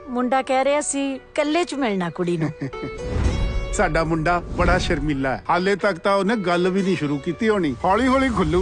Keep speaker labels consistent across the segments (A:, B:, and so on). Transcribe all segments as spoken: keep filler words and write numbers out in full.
A: मुंडा कह रहा सी कल्ले च मिलना कुड़ी नूं।
B: साडा मुंडा बड़ा शर्मीला है, हाले तक तो उन्हें गल भी नहीं शुरू की होनी, हौली हौली खुलू।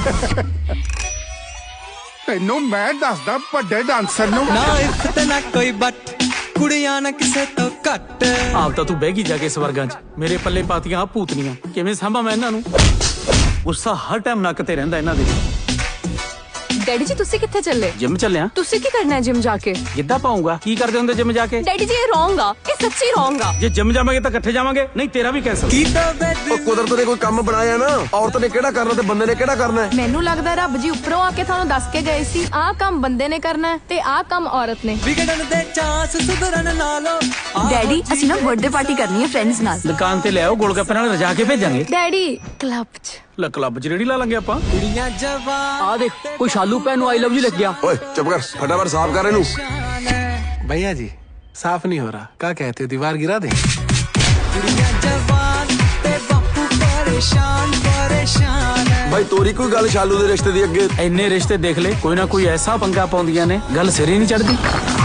B: तेनों मैं दसदा वड्डे डांसर नूं
C: ना इफ ते ना कोई बट कुड़ियां ना किसे तो घट।
D: आप तो तू बह गई जाके स्वर्गां च, मेरे पल्ले पातियां आ भूतनियां, किवें सांभा मैं इन्हां नूं? गुस्सा हर टाइम नक ते रहिंदा इन्हां दे।
E: डैडी जी तुसी कित्थे चले?
D: जिम चलिया।
E: तुसी की करना है जिम जाके?
D: गिद्धा पाऊंगा। की करदे हुंदे जिम जाके?
E: डैडी जी ये रॉन्ग आ, ये सच्ची रॉन्ग आ।
D: जे जिम जावांगे तां इकट्ठे जावांगे, नहीं तेरा भी कैंसल।
F: कुदरत ने कोई काम बनाया ना, औरत ने केड़ा करना ते बंदे ने केड़ा करना है।
E: मैनू लगदा रब जी उपरों आके थानू दस के गए सी आ काम बंदे ने करना है ते आ काम औरत ने।
C: विगड़न दे चांस सुधरन नालो।
E: डैडी ਅਸੀਂ ਨਾ बर्थडे पार्टी करनी है फ्रेंड्स नाल।
D: दुकान ते ले आओ, गोलगप्पे नाल रजा के भेजांगे।
E: डैडी क्लब च
D: ला क्लब च रेड़ी ला लांगे आपां।
C: कुड़ियां जवान
G: आ देख कोई शालू भैन नु आई लव यू लिख गया।
F: ओए चुप कर, फटाफट साफ कर इनू।
H: भैया जी साफ नहीं हो रहा, क्या कहते हो दीवार गिरा दे?
C: कुड़ियां जवान ते बापू परेशान परेशान है।
F: भाई तोरी कोई गल शालू दे रिश्ते दी अगे?
D: इन्ने रिश्ते देख ले, कोई ना कोई ऐसा पंगा पाउंदियां ने गल सिर ही नहीं चढ़दी।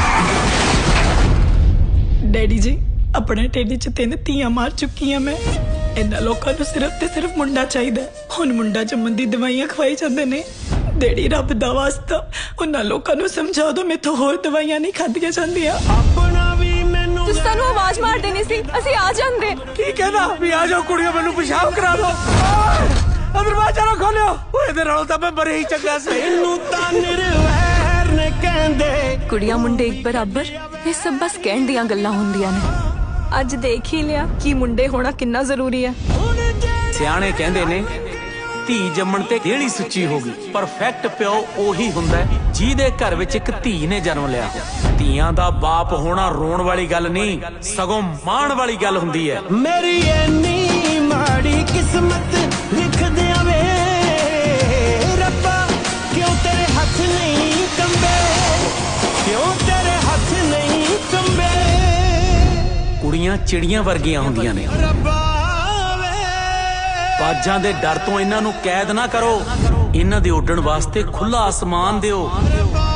I: डैडी जी अपने ढिड च तीन धीआं मार चुकी हाँ मैं। इन्हां लोकां नूं सिर्फ ते सिर्फ मुंडा चाहिदा। हुण मुंडा जम्मण दी दवाइयां खवाई जांदे ने। डेडी रब दा वास्ता उन्हां लोकां नूं समझा दो, मेथों होर दवाइयां नहीं खादियां जांदियां।
E: तुसी सानू आवाज मार देनी सी, ਅਸੀਂ आ ਜਾਂਦੇ।
D: की कहना भी आ जाओ कुड़ियों, मैनू पेशाब करा दो। दरवाजा ना खोलियो, ओए दे नालों तां मैं बड़े ही चंगा सी। इनू तां निरवैर ने कहंदे
E: कुड़ियां मुंडे एक बराबर, ये सब बस कहण दियां गल्लां हुंदियां ने। ਅੱਜ देख ही लिया कि मुंडे होना कितना जरूरी है।
D: सियाणे कहंदे ने धी जम्मण ते देहली सुच्ची होगी, परफेक्ट प्यो ओही हुंदा है ਜਿਹਦੇ घर विच एक धी ने जन्म लिया। ਧੀਆਂ ਦਾ बाप होना रोण वाली गल नहीं, सगों माण वाली गल हुंदी है। मेरी इन्नी माड़ी किस्मत लिख दिया वे रब्बा, क्यों तेरे हथ नहीं कंबे, क्यों तेरे हथ नहीं कंबे। कुड़ियां चिड़ियां वर्गियां हुंदियां ने, बाजां दे डर तो इन्हां नूं कैद ना करो, इन्हां दे उड्डण वास्ते खुला आसमान दिओ।